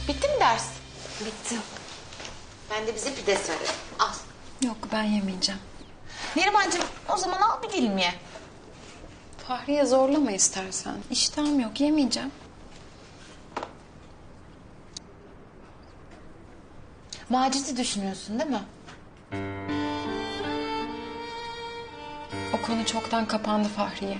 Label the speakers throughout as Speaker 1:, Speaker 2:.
Speaker 1: Bitti mi ders?
Speaker 2: Bitti.
Speaker 1: Ben de bize pide söyledim. Al.
Speaker 2: Yok ben yemeyeceğim.
Speaker 1: Nerimancığım o zaman al bir dilim ye.
Speaker 2: Fahriye zorlama istersen. İştahım yok yemeyeceğim.
Speaker 1: Macit'i düşünüyorsun değil mi?
Speaker 2: O konu çoktan kapandı Fahriye.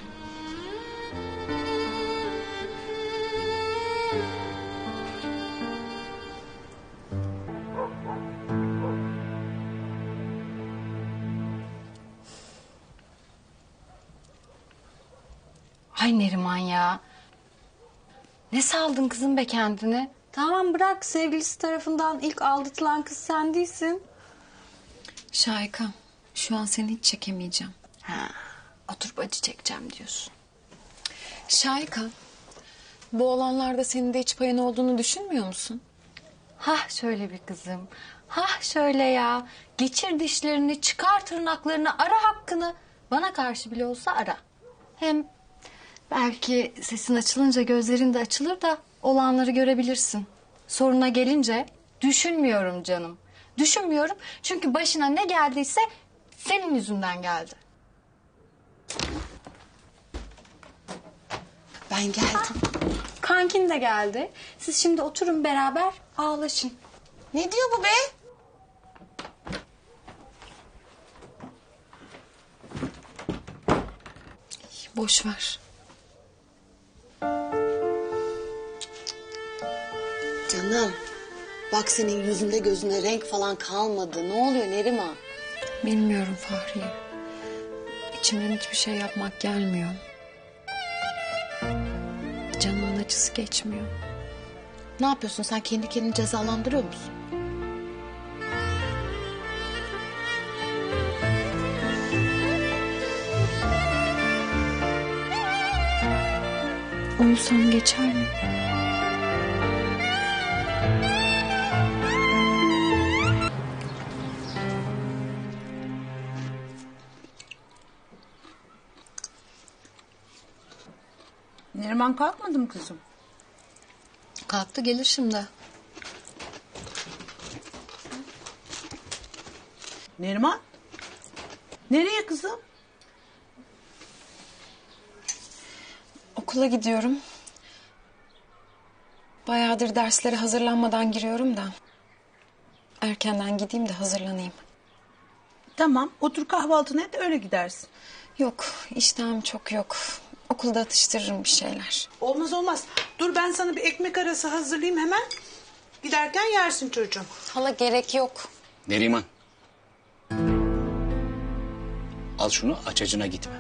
Speaker 2: Ay Neriman ya. Ne saldın kızım be kendini?
Speaker 3: Tamam bırak, sevgilisi tarafından ilk aldatılan kız sen değilsin.
Speaker 2: Şahika, şu an seni hiç çekemeyeceğim. Ha, oturup acı çekeceğim diyorsun. Şahika, bu olanlarda senin de hiç payın olduğunu düşünmüyor musun?
Speaker 3: Hah şöyle bir kızım. Hah şöyle ya. Geçir dişlerini, çıkar tırnaklarını, ara hakkını. Bana karşı bile olsa ara. Hem belki sesin açılınca gözlerin de açılır da olanları görebilirsin. Soruna gelince düşünmüyorum canım. Düşünmüyorum çünkü başına ne geldiyse senin yüzünden geldi.
Speaker 1: Ben geldim.
Speaker 3: Kankin de geldi. Siz şimdi oturun beraber ağlaşın.
Speaker 1: Ne diyor bu be?
Speaker 2: Boş ver.
Speaker 1: Canım bak senin yüzünde gözünde renk falan kalmadı. Ne oluyor Neriman?
Speaker 2: Bilmiyorum Fahriye. İçimden hiçbir şey yapmak gelmiyor. Canımın acısı geçmiyor.
Speaker 1: Ne yapıyorsun sen kendi kendini cezalandırıyor musun?
Speaker 2: Uyusam geçer mi?
Speaker 4: Neriman kalkmadı mı kızım?
Speaker 2: Kalktı gelir şimdi.
Speaker 4: Neriman? Nereye kızım?
Speaker 2: Okula gidiyorum. Bayağıdır derslere hazırlanmadan giriyorum da. Erkenden gideyim de hazırlanayım.
Speaker 4: Tamam, otur kahvaltını et öyle gidersin.
Speaker 2: Yok, iştahım çok yok. Okulda atıştırırım bir şeyler.
Speaker 4: Olmaz olmaz. Dur ben sana bir ekmek arası hazırlayayım hemen. Giderken yersin çocuğum.
Speaker 2: Hala gerek yok.
Speaker 5: Neriman. Al şunu aç acına gitme.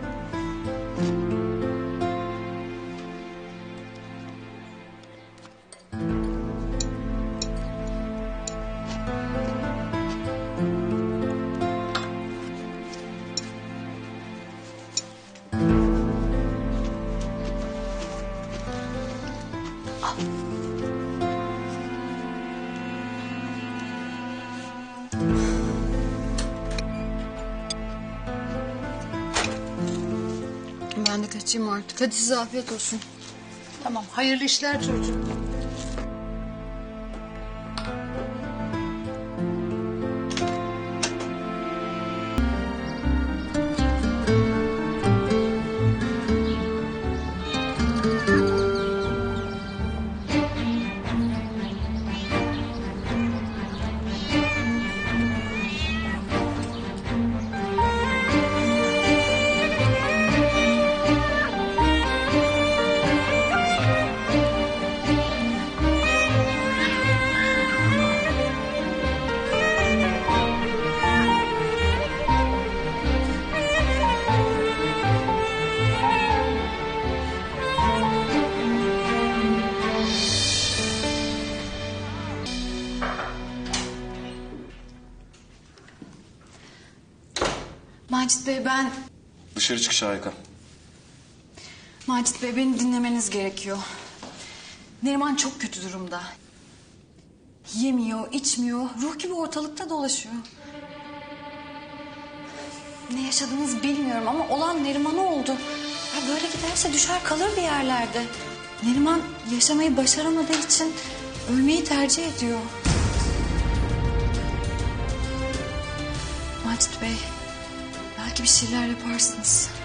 Speaker 2: Ben de kaçayım artık. Hadi size afiyet olsun.
Speaker 4: Tamam, hayırlı işler çocuğum.
Speaker 2: Macit Bey ben...
Speaker 6: Dışarı çık Şahika.
Speaker 2: Macit Bey beni dinlemeniz gerekiyor. Neriman çok kötü durumda. Yemiyor, içmiyor, ruh gibi ortalıkta dolaşıyor. Ne yaşadığınızı bilmiyorum ama olan Neriman'a oldu. Ya böyle giderse düşer kalır bir yerlerde. Neriman yaşamayı başaramadığı için Ölmeyi tercih ediyor. Macit Bey, belki bir şeyler yaparsınız.